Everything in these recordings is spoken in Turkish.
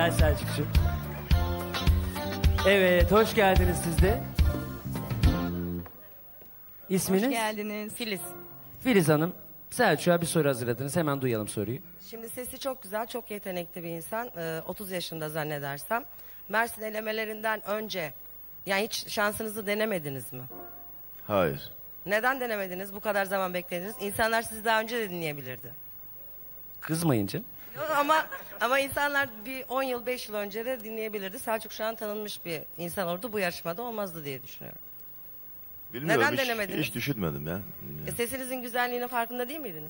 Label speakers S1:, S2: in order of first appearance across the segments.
S1: Gel Selçukcuğum. Evet, hoş geldiniz siz de. İsminiz?
S2: Hoş geldiniz. Filiz.
S1: Filiz Hanım, Selçuk'a bir soru hazırladınız. Hemen duyalım soruyu.
S3: Şimdi sesi çok güzel, çok yetenekli bir insan. 30 yaşında zannedersem. Mersin elemelerinden önce, yani hiç şansınızı denemediniz mi?
S4: Hayır.
S3: Neden denemediniz? Bu kadar zaman beklediniz. İnsanlar sizi daha önce de dinleyebilirdi.
S1: Kızmayınca.
S3: Ama insanlar bir 10 yıl, 5 yıl önce de dinleyebilirdi. Selçuk şu an tanınmış bir insan oldu. Bu yarışmada olmazdı diye düşünüyorum.
S4: Bilmiyorum,
S3: Neden
S4: hiç,
S3: denemediniz?
S4: hiç düşünmedim ya.
S3: Sesinizin güzelliğinin farkında değil miydiniz?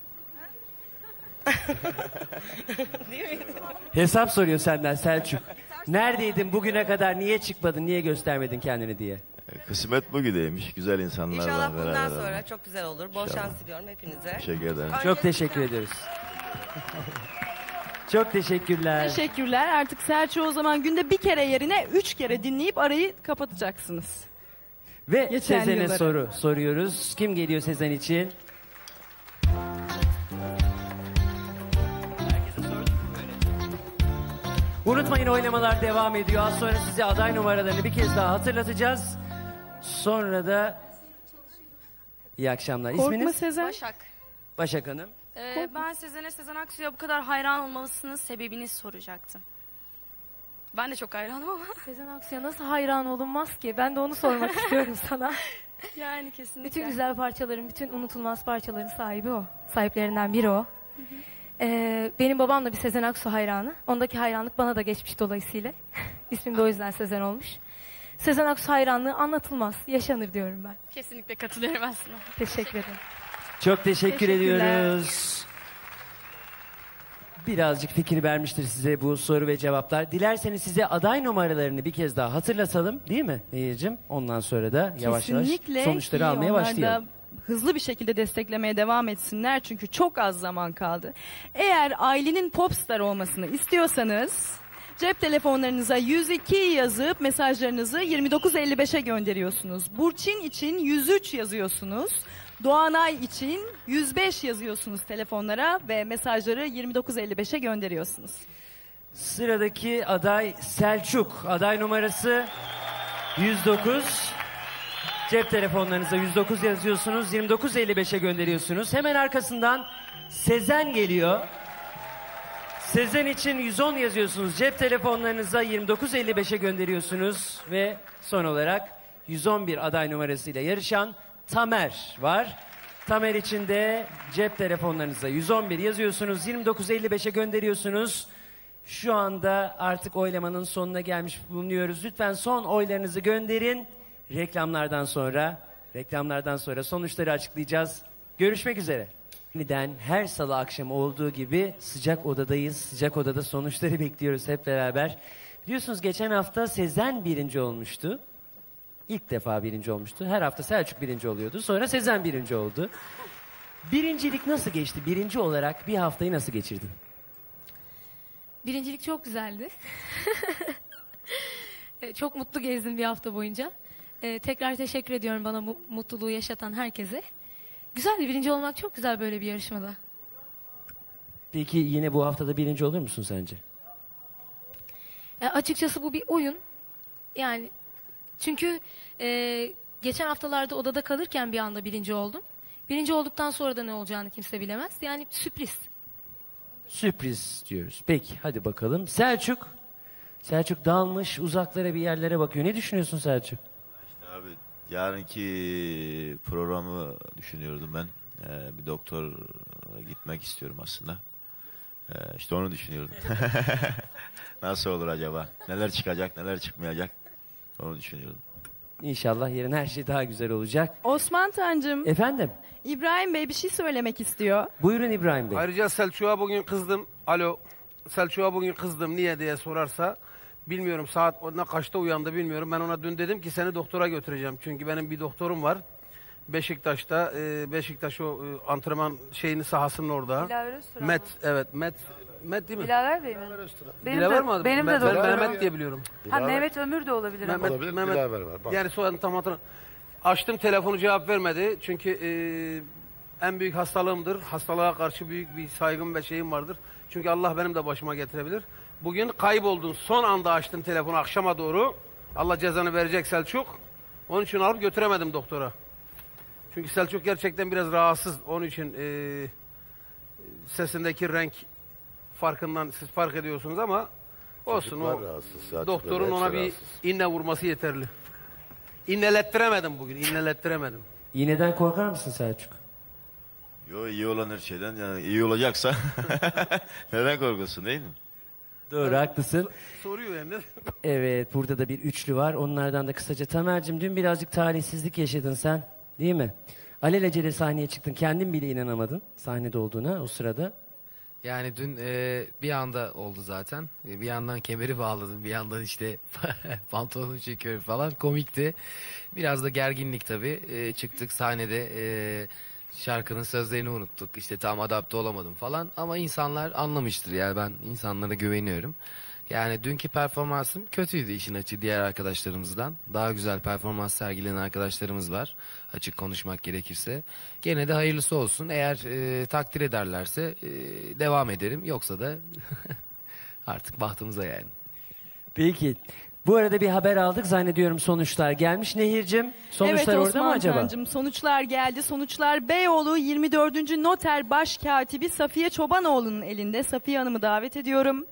S3: Değil mi?
S1: Hesap soruyor senden Selçuk. Neredeydin bugüne kadar, niye çıkmadın, niye göstermedin kendini diye.
S4: Kısmet bugüneymiş. Güzel insanlarla
S3: İnşallah bundan
S4: beraber
S3: sonra
S4: olmak.
S3: çok güzel olur. Bol şans diliyorum hepinize.
S4: Teşekkür ederim.
S1: Çok teşekkür ediyoruz. Çok teşekkürler.
S2: Teşekkürler. Artık Selçuk'u o zaman günde bir kere yerine 3 kere dinleyip arayı kapatacaksınız.
S1: Ve
S2: Geçen
S1: Sezen'e
S2: yılları.
S1: soruyoruz. Kim geliyor Sezen için? Unutmayın, oynamalar devam ediyor. Az sonra size aday numaralarını bir kez daha hatırlatacağız. Sonra da iyi akşamlar.
S2: Korkma
S1: İsminiz?
S2: Sezen.
S5: Başak.
S1: Başak Hanım.
S5: Ben Sezen Aksu'ya bu kadar hayran olmalısınız sebebini soracaktım. Ben de çok hayranım ama
S6: Sezen Aksu'ya nasıl hayran olunmaz ki? Ben de onu sormak istiyorum sana.
S5: yani kesinlikle.
S6: Bütün güzel parçaların, bütün unutulmaz parçaların sahibi o. Sahiplerinden biri o. Benim babam da bir Sezen Aksu hayranı. Ondaki hayranlık bana da geçmiş dolayısıyla. İsmim de o yüzden Sezen olmuş. Sezen Aksu hayranlığı anlatılmaz, yaşanır diyorum ben.
S5: Kesinlikle katılıyorum aslında.
S6: Teşekkür ederim.
S1: Çok teşekkür
S2: Teşekkürler.
S1: ediyoruz. Birazcık fikir vermiştir size bu soru ve cevaplar. Dilerseniz size aday numaralarını bir kez daha hatırlatalım, değil mi Nehir'cim? Ondan sonra da yavaş
S2: Kesinlikle
S1: yavaş sonuçları
S2: ki
S1: almaya
S2: onlar
S1: başlayalım.
S2: da hızlı bir şekilde desteklemeye devam etsinler çünkü çok az zaman kaldı. Eğer ailenin popstar olmasını istiyorsanız cep telefonlarınıza 102 yazıp mesajlarınızı 2955'e gönderiyorsunuz. Burçin için 103 yazıyorsunuz. Doğanay için 105 yazıyorsunuz telefonlara ve mesajları 2955'e gönderiyorsunuz.
S1: Sıradaki aday Selçuk. Aday numarası 109. Cep telefonlarınıza 109 yazıyorsunuz. 2955'e gönderiyorsunuz. Hemen arkasından Sezen geliyor. Sezen için 110 yazıyorsunuz. Cep telefonlarınıza 2955'e gönderiyorsunuz. Ve son olarak 111 aday numarasıyla yarışan Tamer var. Tamer için de cep telefonlarınıza 111 yazıyorsunuz. 2955'e gönderiyorsunuz. Şu anda artık oylamanın sonuna gelmiş bulunuyoruz. Lütfen son oylarınızı gönderin. Reklamlardan sonra sonuçları açıklayacağız. Görüşmek üzere. Yeniden her salı akşamı olduğu gibi sıcak odadayız. Sıcak odada sonuçları bekliyoruz hep beraber. Biliyorsunuz geçen hafta Sezen birinci olmuştu. İlk defa birinci olmuştu. Her hafta Selçuk birinci oluyordu. Sonra Sezen birinci oldu. Birincilik nasıl geçti? Birinci olarak bir haftayı nasıl geçirdin?
S6: Birincilik çok güzeldi. Çok mutlu gezdim bir hafta boyunca. Tekrar teşekkür ediyorum bana bu mutluluğu yaşatan herkese. Güzeldi, birinci olmak çok güzel böyle bir yarışmada.
S1: Peki yine bu haftada birinci olur musun sence?
S6: Açıkçası bu bir oyun. Yani çünkü geçen haftalarda odada kalırken bir anda birinci oldum. Birinci olduktan sonra da ne olacağını kimse bilemez. Yani sürpriz.
S1: Sürpriz diyoruz. Peki hadi bakalım. Selçuk. Selçuk dalmış uzaklara bir yerlere bakıyor. Ne düşünüyorsun Selçuk?
S4: Abi yarınki programı düşünüyordum ben. Bir doktor gitmek istiyorum aslında. İşte onu düşünüyordum. Nasıl olur acaba? Neler çıkacak, neler çıkmayacak? Onu düşünüyordum.
S1: İnşallah yarın her şey daha güzel olacak.
S2: Osman Tancım,
S1: Efendim?
S2: İbrahim Bey bir şey söylemek istiyor.
S1: Buyurun İbrahim Bey.
S7: Ayrıca Selçuk'a bugün kızdım. Alo. Selçuk'a bugün kızdım. Niye diye sorarsa bilmiyorum saat ne kaçta uyandı bilmiyorum. Ben ona dün dedim ki seni doktora götüreceğim. Çünkü benim bir doktorum var. Beşiktaş'ta. Beşiktaş o antrenman şeyini sahasının orada.
S8: Dilaver Öztürk.
S7: Met evet Met değil mi?
S8: Dilaver Bey mi?
S7: Dilaver mi adı?
S8: Benim de
S7: Ben
S8: doktorum.
S7: Mehmet diye biliyorum.
S8: Ha Mehmet Ömür de olabilir ama.
S7: Mehmet, yani soyadını tam hatırlamıyorum. Açtım telefonu cevap vermedi. Çünkü en büyük hastalığımdır. Hastalığa karşı büyük bir saygım ve şeyim vardır. Çünkü Allah benim de başıma getirebilir. Bugün kayboldun. Son anda açtın telefonu akşama doğru. Allah cezanı verecek Selçuk. Onun için alıp götüremedim doktora. Çünkü Selçuk gerçekten biraz rahatsız. Onun için sesindeki renk farkından siz fark ediyorsunuz ama olsun, o doktorun ona bir inne vurması yeterli. İnnelettiremedim bugün, innelettiremedim.
S1: İğneden korkar mısın Selçuk?
S4: Yo, iyi olan her şeyden, yani iyi olacaksa neden korkuyorsun, değil mi?
S1: Doğru, haklısın.
S7: Soruyor yani.
S1: Evet, burada da bir üçlü var. Onlardan da kısaca. Tamer'cim, dün birazcık talihsizlik yaşadın sen, değil mi? Alelacele sahneye çıktın. Kendin bile inanamadın sahnede olduğuna o sırada.
S9: Yani dün bir anda oldu zaten. Bir yandan kemeri bağladım, bir yandan işte pantolonu çekiyorum falan. Komikti. Biraz da gerginlik tabii. Çıktık sahnede, şarkının sözlerini unuttuk. İşte tam adapte olamadım falan. Ama insanlar anlamıştır, yani ben insanlara güveniyorum. Yani dünkü performansım kötüydü işin açığı diğer arkadaşlarımızdan. Daha güzel performans sergileyen arkadaşlarımız var. Açık konuşmak gerekirse. Gene de hayırlısı olsun. Eğer takdir ederlerse devam ederim. Yoksa da artık bahtımıza yani.
S1: Peki. Bu arada bir haber aldık zannediyorum, sonuçlar gelmiş. Nehir'cim, sonuçlar
S2: Evet
S1: orada mı acaba?
S2: Tancım, sonuçlar geldi. Sonuçlar Beyoğlu 24. Noter Başkatibi Safiye Çobanoğlu'nun elinde. Safiye Hanım'ı davet ediyorum.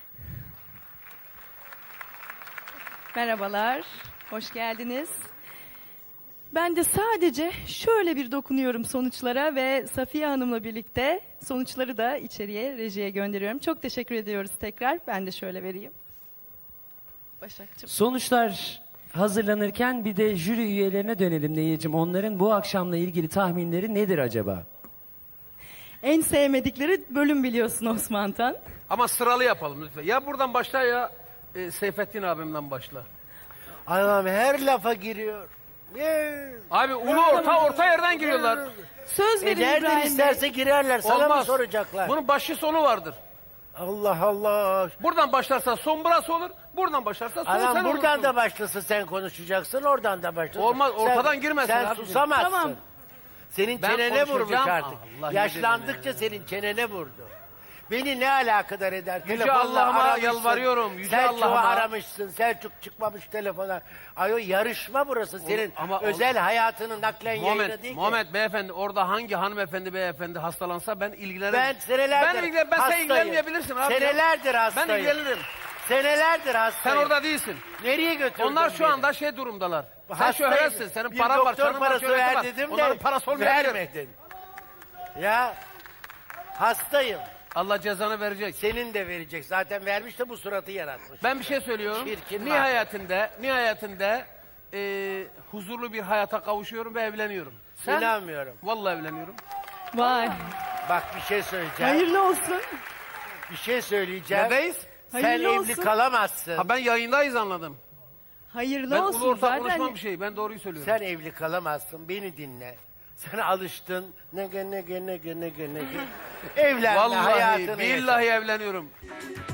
S2: Merhabalar, hoş geldiniz. Ben de sadece şöyle bir dokunuyorum sonuçlara ve Safiye Hanım'la birlikte sonuçları da içeriye, rejiye gönderiyorum. Çok teşekkür ediyoruz tekrar. Ben de şöyle vereyim. Başakçığım.
S1: Sonuçlar hazırlanırken bir de jüri üyelerine dönelim Nehir'cim. Onların bu akşamla ilgili tahminleri nedir acaba?
S2: En sevmedikleri bölüm biliyorsun Osman Tan.
S7: Ama sıralı yapalım lütfen. Ya buradan başla ya Seyfettin abimden başla.
S10: Adam her lafa giriyor.
S7: Abi ulu orta yerden giriyorlar.
S2: Söz verin
S10: Nereden
S2: İbrahim Bey.
S10: isterse girerler. Sana mı soracaklar?
S7: Bunun başı sonu vardır.
S10: Allah Allah.
S7: Buradan başlarsa son burası olur. Buradan başlarsa son sen
S10: Adam buradan
S7: olursun.
S10: da başlasın sen konuşacaksın. Oradan da başlasın.
S7: Olmaz, ortadan
S10: sen,
S7: girmesin
S10: Sen
S7: abicim.
S10: susamazsın.
S2: Tamam.
S10: Senin
S7: Ben
S10: çenene vurmuş
S7: konuşacağım.
S10: artık.
S7: Allah
S10: Yaşlandıkça senin çenene vurdu. Beni ne alakadar eder?
S7: Yüce
S10: Telefonla
S7: Allah'ıma
S10: aramışsın.
S7: yalvarıyorum, Yüce
S10: Selçuk'u
S7: Allah'ıma.
S10: aramışsın. Selçuk çıkmamış telefona. Ay o yarışma burası. Senin
S7: ama
S10: özel hayatının naklen yayını değil ki.
S7: Muhammed beyefendi, orada hangi hanımefendi beyefendi hastalansa ben ilgilenirim.
S10: Ben senelerdir
S7: ben sen
S10: hastayım.
S7: ilgilenmeyebilirsin abi.
S10: Senelerdir hastayım.
S7: Ben ilgilenirim.
S10: Senelerdir
S7: Sen
S10: hastayım.
S7: orada değilsin.
S10: Nereye götürdün
S7: Onlar şu
S10: beni?
S7: anda şey durumdalar. Sen
S10: Hastayım.
S7: şöhretsin, senin
S10: Bir
S7: paran var,
S10: doktor
S7: canın var,
S10: parası
S7: şöhreti
S10: ver
S7: var.
S10: dedim
S7: Onların
S10: de
S7: parası olmayabilir.
S10: vermedin. Ya hastayım.
S7: Allah cezanı verecek.
S10: Senin de verecek. Zaten vermiş de bu suratı yaratmış.
S7: Ben bir şey söylüyorum.
S10: Çirkin
S7: Nihayetinde huzurlu bir hayata kavuşuyorum ve evleniyorum. Sen?
S10: İnanmıyorum.
S7: Vallahi evleniyorum.
S2: Vay.
S10: Bak bir şey söyleyeceğim.
S2: Hayırlı olsun.
S10: Bir şey söyleyeceğim.
S7: Neredeyiz?
S10: Sen
S2: Hayırlı
S10: evli
S2: olsun.
S10: kalamazsın.
S7: Ha ben yayındayız anladım.
S2: Hayırlı
S7: Ben
S2: olsun
S7: ulu orta
S2: zaten.
S7: konuşmam bir şey. Ben doğruyu söylüyorum.
S10: Sen evli kalamazsın. Beni dinle. Sen alıştın. Ne. Evlenme
S7: Vallahi
S10: hayatını yaşa.
S7: billahi evleniyorum.